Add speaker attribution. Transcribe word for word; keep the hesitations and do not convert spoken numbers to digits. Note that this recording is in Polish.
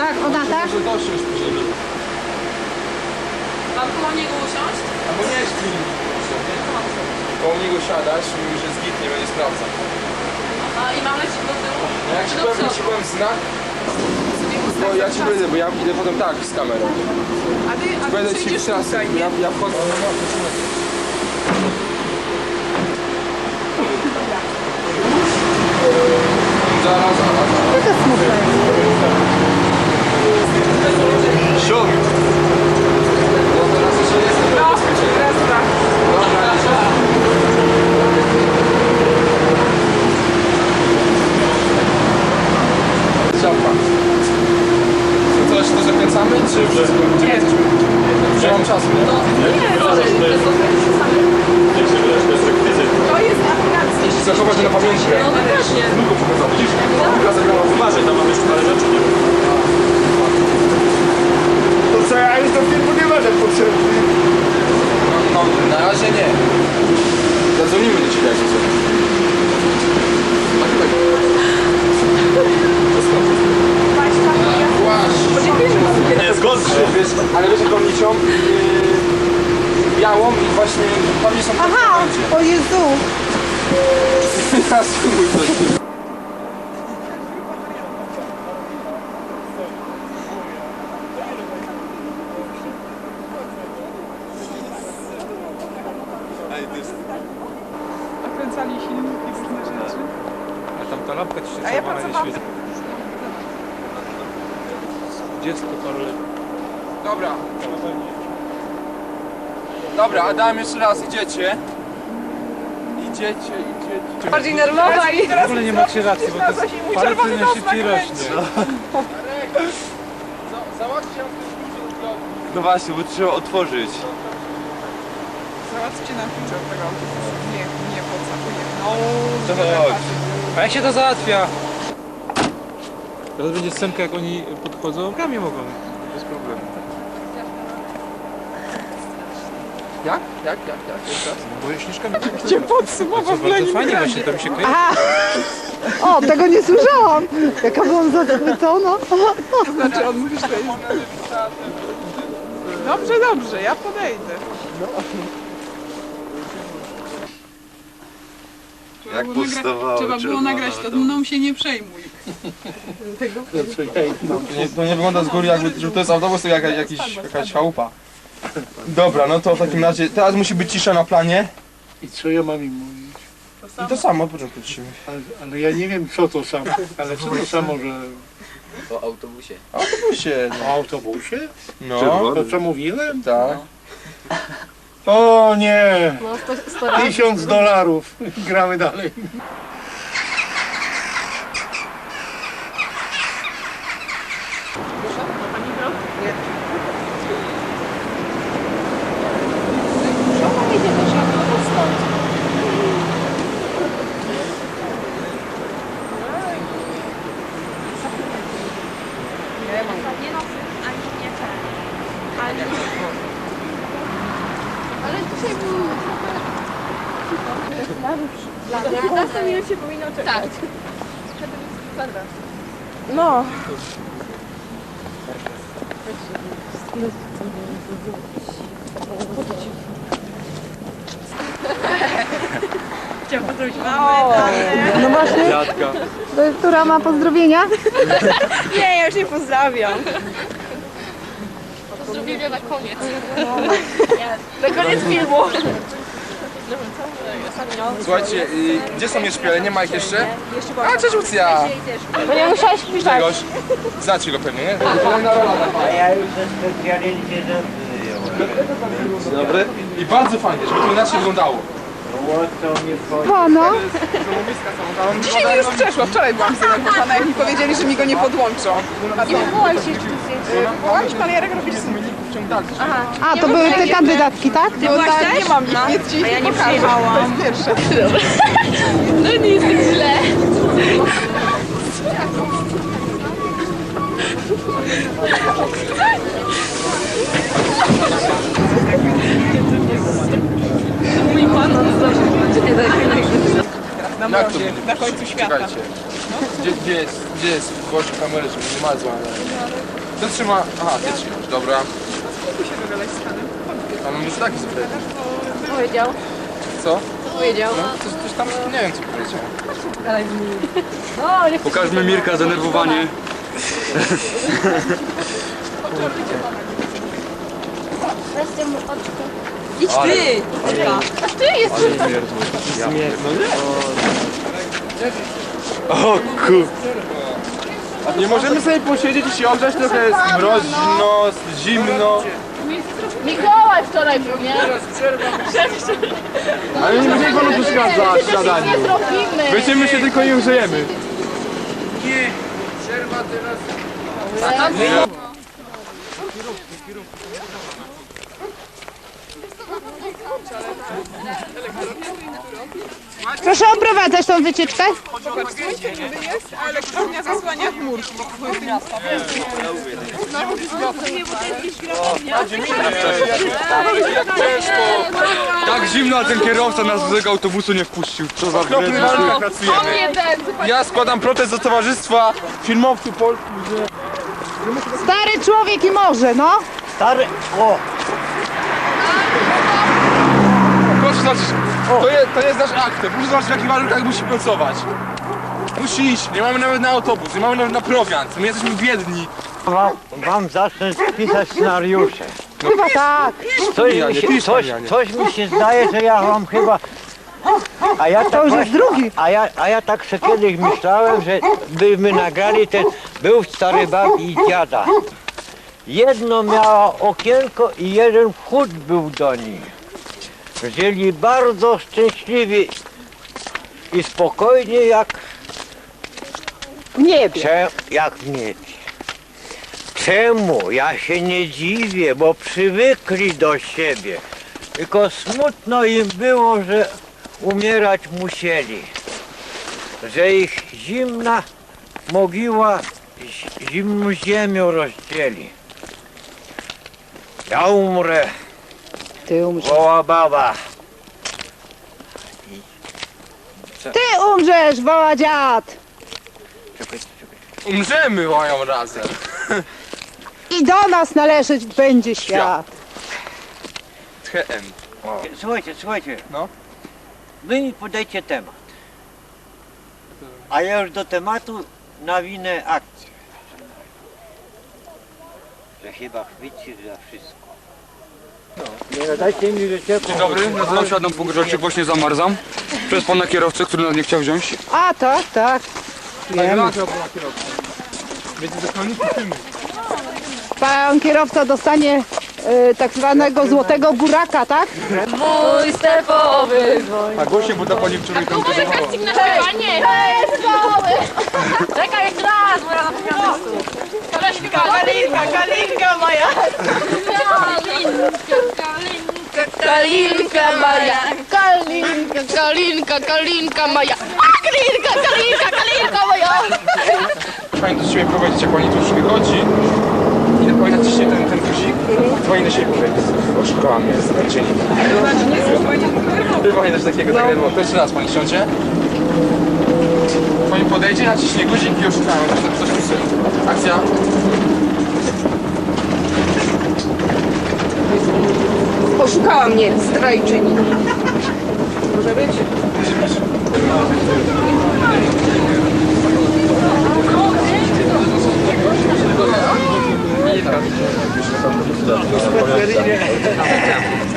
Speaker 1: Tak, ona tak?
Speaker 2: Może dosiąść później.
Speaker 3: Mam koło niego usiąść?
Speaker 2: Albo nie jest film. Koło niego siadasz, mówisz, że zgit nie będzie sprawdzał.
Speaker 3: A i mam lecieć do tyłu?
Speaker 2: No jak
Speaker 3: Czy
Speaker 2: ci
Speaker 3: do
Speaker 2: powiem,
Speaker 3: przodu?
Speaker 2: ci powiem znak,
Speaker 3: Sobie
Speaker 2: bo
Speaker 3: ustawić
Speaker 2: ja ci
Speaker 3: czas.
Speaker 2: będę, bo ja idę potem tak z kamerą.
Speaker 3: A ty, a ty
Speaker 2: Będę ci
Speaker 3: przejdziesz
Speaker 2: teraz,
Speaker 3: tutaj, nie?
Speaker 2: ja, ja wchodzę. Zaraz, zaraz, zaraz.
Speaker 1: Taka smutna jest.
Speaker 2: Siód! No teraz jeszcze jestem
Speaker 3: No,
Speaker 2: bezpieczny.
Speaker 3: teraz tak.
Speaker 2: Dobra, Ciapa. To co, jeszcze to zakręcamy, czy wszystko? Gdzie jesteśmy? Że mam czasu, nie?
Speaker 3: No, nie, to jest to jest aplikacja.
Speaker 2: Zachować to na pamięci.
Speaker 3: No właśnie.
Speaker 2: Długo pokazał, widzisz? Długo zagrała.
Speaker 4: Uważaj, tam mamy jeszcze parę rzeczy, nie?
Speaker 5: To co, ja już do filmu nie będę potrzebny.
Speaker 2: No, na razie nie. Zadzwonimy do ciebie, jak się coś. Tak, tak. To skąd? Właśnie.
Speaker 4: Nie, zgodnie.
Speaker 2: Wiesz, ale wiesz jaką nicią? Yy, białą i właśnie tam nie są
Speaker 1: Aha, o Jezu.
Speaker 2: Ja spróbuj coś.
Speaker 3: Nakręcali silniki, różne rzeczy.
Speaker 4: A tam ta lampka ci się
Speaker 3: A ja
Speaker 4: czerwona nie
Speaker 3: pracowałam.
Speaker 4: świeci. Dziecko paru lat.
Speaker 2: Dobra. Dobra, Adam, jeszcze raz, idziecie. Idziecie, idziecie.
Speaker 3: Bardziej nerwowa i
Speaker 4: W ogóle nie macie racji, bo to jest parę tyle szybciej rośnie.
Speaker 2: Załatwcie ją w tym
Speaker 6: No właśnie, bo trzeba otworzyć.
Speaker 3: załatwcie nam klucze od tego autobusu. Nie, nie, po co? No,
Speaker 6: To
Speaker 3: żeby
Speaker 6: chodź.
Speaker 3: patrzeć.
Speaker 4: A jak się to załatwia? Teraz będzie scenka, jak oni podchodzą. Kamień mogą, bez problemu.
Speaker 2: Jak? Jak? Jak? Jak? Jeszcze raz?
Speaker 4: Bo je śnieżkami.
Speaker 3: Gdzie podsumował w
Speaker 4: Bardzo fajnie właśnie, to mi się kojarzy.
Speaker 1: O, tego nie słyszałam. Jaka byłam zachwycona.
Speaker 3: To znaczy on mówi, że to jest... Dobrze, dobrze, ja podejdę. Trzeba
Speaker 6: Jak
Speaker 3: było nagra-
Speaker 6: powstawało
Speaker 3: Trzeba było
Speaker 6: czerwone,
Speaker 3: nagrać to,
Speaker 6: to-
Speaker 3: mną się nie przejmuj.
Speaker 2: Nie, to nie wygląda z góry jakby, że to jest autobus, to jaka, jakiś, jakaś chałupa. Dobra, no to w takim razie, teraz musi być cisza na planie.
Speaker 5: I co ja mam im mówić?
Speaker 2: I to samo od początku ciszymy.
Speaker 5: Ale, ale ja nie wiem co to samo. Ale co to samo, że
Speaker 2: O autobusie.
Speaker 5: o autobusie?
Speaker 2: No,
Speaker 5: To co mówiłem?
Speaker 2: tak.
Speaker 5: O nie! Tysiąc dolarów. Gramy dalej.
Speaker 7: piętnaście minut się powinno czekać. Tak.
Speaker 1: No.
Speaker 7: Chciałam pozdrowić mamę, tatę.
Speaker 1: No właśnie.
Speaker 4: Dziadka.
Speaker 1: To jest, która ma pozdrowienia?
Speaker 7: Nie, ja już nie pozdrawiam.
Speaker 3: Pozdrowienia na koniec.
Speaker 7: Na koniec filmu.
Speaker 2: Słuchajcie, y, gdzie są jeszcze szpiele? Nie ma ich jeszcze? A, cześć Lucja!
Speaker 7: To nie musiałeś pisać.
Speaker 2: Grzegorz. Znacie go pewnie, nie?
Speaker 6: Ja już ze specjalnie Dzień dobry.
Speaker 2: I bardzo fajnie, żeby to inaczej wyglądało.
Speaker 6: Łatwo mnie wchodzi.
Speaker 1: Pana.
Speaker 3: Dzisiaj mi już przeszło, wczoraj byłam zdenerwowana, jak mi powiedzieli, że mi go nie podłączą. A
Speaker 7: Nie wywołaj się jeszcze tu zdjęcie.
Speaker 3: Wołam szpalierek robisz z
Speaker 1: A, to były te kandydatki, tak?
Speaker 3: No
Speaker 7: byłaś
Speaker 3: tak,
Speaker 7: też?
Speaker 3: nie mam ich,
Speaker 7: No.
Speaker 3: nic ci
Speaker 7: A ja nie
Speaker 3: pokażę.
Speaker 7: przyjechałam.
Speaker 3: To jest pierwsze.
Speaker 7: No nie jest tak źle.
Speaker 3: Mój pan on zawsze będzie
Speaker 2: Jak
Speaker 3: na
Speaker 2: to
Speaker 3: mrozie,
Speaker 2: będzie?
Speaker 3: na końcu świata.
Speaker 2: Czekajcie. Gdzie, gdzie jest, gdzie jest gość kamery, żeby nie ma zła. Kto trzyma? Aha, ty trzymasz, dobra.
Speaker 3: Spróbuj się dogadać z panem.
Speaker 2: A mam już taki zupełnie.
Speaker 7: Powiedział.
Speaker 2: Co?
Speaker 7: Powiedział.
Speaker 2: No, coś, coś tam, nie wiem co powiedział.
Speaker 7: No, nie
Speaker 6: Pokażmy Mirka zdenerwowanie.
Speaker 7: Weźcie mu oczko.
Speaker 3: Idź ty!
Speaker 7: Aż ty jesteś.
Speaker 6: O kur...
Speaker 2: Nie możemy sobie posiedzieć i się ogrzać, trochę jest mroźno, zimno.
Speaker 7: Mikołaj wczoraj był, nie?
Speaker 2: Ale nie będziemy panu przeszkadzać w
Speaker 7: Nie
Speaker 2: zadaniu.
Speaker 7: zrobimy.
Speaker 2: Będziemy się tylko nie grzejemy.
Speaker 1: Proszę oprowadzać tą wycieczkę.
Speaker 3: Zobacz, słońce niby jest, a elektrownia zasłania chmurki.
Speaker 6: Tak zimno, a ten kierowca nas do tego autobusu nie wpuścił. Co za
Speaker 2: W okropnych
Speaker 6: wredny.
Speaker 2: warunkach
Speaker 7: On
Speaker 2: pracujemy.
Speaker 7: jeden.
Speaker 2: Ja składam protest do Towarzystwa Filmowców Polskich, że...
Speaker 1: Stary człowiek i morze, no.
Speaker 5: Stary, o,
Speaker 2: Proszę zobaczyć, to jest, to jest nasz aktem. Proszę zobaczyć w jakich warunkach musi pracować. Musi iść, nie mamy nawet na autobus, nie mamy nawet na prowiant. My jesteśmy biedni.
Speaker 5: wam, wam zacznę pisać scenariusze.
Speaker 1: Chyba tak.
Speaker 5: Coś
Speaker 2: Janie,
Speaker 5: mi, się,
Speaker 2: pisz,
Speaker 5: coś,
Speaker 2: Janie.
Speaker 5: coś mi się zdaje, że ja wam chyba... A ja tak
Speaker 1: To już jest
Speaker 5: właśnie-
Speaker 1: drugi.
Speaker 5: A ja, a ja tak sobie kiedyś myślałem, że byśmy nagrali ten... Był stary bab i dziada. Jedno miała okienko i jeden wchód był do nich. Żyli bardzo szczęśliwi i spokojnie jak,
Speaker 1: Nie wiem.
Speaker 5: cze- jak w niebie. Czemu? Ja się nie dziwię, bo przywykli do siebie. Tylko smutno im było, że umierać musieli. Że ich zimna mogiła z- zimną ziemią rozdzieli. Ja umrę,
Speaker 1: Ty umrzesz.
Speaker 5: woła baba.
Speaker 1: Ty umrzesz, woła dziad.
Speaker 2: Umrzemy mają razem.
Speaker 1: I do nas należeć będzie świat.
Speaker 2: Tchem.
Speaker 5: Słuchajcie, słuchajcie.
Speaker 2: No.
Speaker 5: Wy mi podajcie temat. A ja już do tematu nawinę akcję. Że chyba chwyci za wszystko. Nie dajcie mi wycieku.
Speaker 6: Dzień dobry, nazywam się Adam Pogrzeczek, właśnie zamarzam. Przez pana kierowcę, który nas nie chciał wziąć.
Speaker 1: A tak, tak. Wiem.
Speaker 2: Będzie zakonnicy filmu.
Speaker 1: Pan kierowca dostanie y, tak zwanego złotego buraka, tak?
Speaker 7: Mój stepowy.
Speaker 2: A głośniej, bo ta pani wczoraj tam prezentowała.
Speaker 7: Kasting na śpiewanie. Czekaj jeszcze raz, bo ja zapomniałam Kalinka, kalinka, kalinka moja. Kalinka, kalinka moja. Kalinka, kalinka, kalinka moja. A, kalinka, kalinka, kalinka moja.
Speaker 2: Pani do siebie prowadzić, jak pani tu już wychodzi. I pani naciśnie ten, ten guzik. To pani do siebie powiedzieć. Oszukała mnie, zdradzieni. Pani też takiego, takiego. To jeszcze raz pani siądzie. Pani podejdzie, naciśnie guzik i oszukała. Coś, coś myślę. Akcja.
Speaker 3: Oszukała mnie, zdrajczyni. Może być?